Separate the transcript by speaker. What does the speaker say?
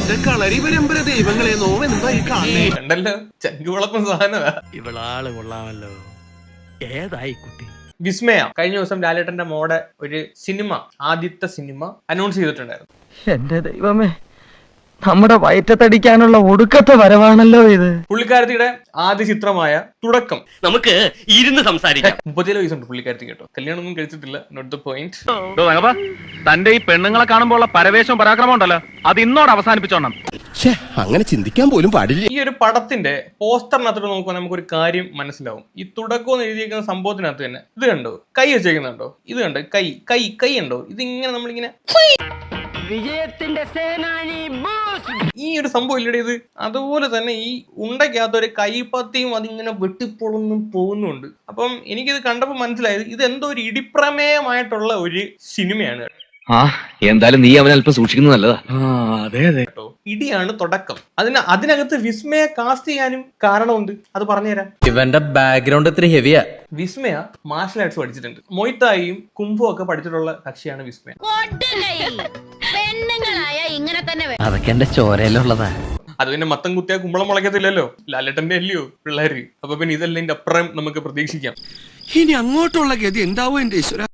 Speaker 1: എന്റെ കളരി പരമ്പര ദൈവങ്ങളെ നോവെന്തായി കാണേ
Speaker 2: കണ്ടല്ലോ ചങ്കുവളപ്പം സാധനമാ.
Speaker 3: ഇവളാള് കൊള്ളാമല്ലോ. ഏതായി കുട്ടി?
Speaker 2: വിസ്മയ കഴിഞ്ഞ ദിവസം ലാലേട്ടന്റെ മോടെ ഒരു സിനിമ, ആദ്യത്തെ സിനിമ അനൗൺസ് ചെയ്തിട്ടുണ്ടായിരുന്നു.
Speaker 4: എന്റെ ദൈവമേ, നമ്മുടെ വയറ്റത്തടിക്കാനുള്ള ഒടുക്കത്തെ വരവാണല്ലോ ഇത്.
Speaker 2: പുള്ളിക്കാരത്തിയുടെ ആദ്യ ചിത്രമായ തുടക്കം.
Speaker 3: നമുക്ക് ഇരുന്ന് സംസാരിക്കാം.
Speaker 2: 37 വയസ്സുണ്ട് പുള്ളിക്കാരത്തി കേട്ടോ. കല്യാണം ഒന്നും കഴിച്ചിട്ടില്ല. Note the point.
Speaker 5: തന്റെ ഈ പെണ്ണുങ്ങളെ കാണുമ്പോൾ ഉള്ള പരവേശവും പരാക്രമം ഉണ്ടല്ലോ, അത് ഇന്നോട് അവസാനിപ്പിച്ചോണം.
Speaker 6: അങ്ങനെ ചിന്തിക്കാൻ പോലും പാടില്ല.
Speaker 2: ഈ ഒരു പടത്തിന്റെ പോസ്റ്ററിനകത്തോട്ട് നോക്കുമ്പോൾ നമുക്കൊരു കാര്യം മനസ്സിലാവും. ഈ തുടക്കം എന്ന് എഴുതിയിരിക്കുന്ന സംഭവത്തിനകത്ത് തന്നെ ഇത് കണ്ടോ, കൈ വെച്ചേക്കുന്നുണ്ടോ, ഇത് കണ്ടോ, കൈ കൈ കൈ ഉണ്ടോ, ഇതിങ്ങനെ നമ്മളിങ്ങനെ
Speaker 4: വിജയത്തിന്റെ സേനാനി
Speaker 2: ഈ ഒരു സംഭവം ഇല്ലടേ ഇത്. അതുപോലെ തന്നെ ഈ ഉണ്ടയ്ക്കകത്ത് ഒരു കൈപ്പത്തിയും അതിങ്ങനെ വെട്ടിപ്പൊളന്നും പോകുന്നുണ്ട്. അപ്പം എനിക്കിത് കണ്ടപ്പോൾ മനസ്സിലായത് ഇത് എന്തോ ഒരു ഇടിപ്രമേയമായിട്ടുള്ള ഒരു സിനിമയാണ്
Speaker 7: എന്തായാലും നീ അവനെ അല്പം സൂക്ഷിക്കുന്നത് നല്ലതാ.
Speaker 2: കേട്ടോ. ഇടിയാണ് തുടക്കം. അതിനകത്ത് വിസ്മയ കാസ്റ്റ് ചെയ്യാനും കാരണമുണ്ട്. അത് പറഞ്ഞുതരാം.
Speaker 8: ഇവന്റെ ബാക്ക്ഗ്രൗണ്ട് ഇത്തിരി ഹെവിയാ.
Speaker 2: വിസ്മയ മാർഷൽ ആർട്സ് പഠിച്ചിട്ടുണ്ട്. മൊയ്ത്തായും കുംഫും ഒക്കെ പഠിച്ചിട്ടുള്ള കക്ഷിയാണ് വിസ്മയ.
Speaker 4: അതൊക്കെ എന്റെ ചോരയിലുള്ളതാ.
Speaker 2: അത് പിന്നെ മത്തം കുത്തിയാ കുമ്പളം മുളയ്ക്കത്തില്ലല്ലോ. ലാലേട്ടന്റെ അല്ലയോ പിള്ളേര്. അപ്പൊ പിന്നെ ഇതെല്ലാം അപ്പുറം നമുക്ക് പ്രതീക്ഷിക്കാം.
Speaker 1: ഇനി അങ്ങോട്ടുള്ള ഗതി എന്താവോ എന്റെ ഈശ്വര.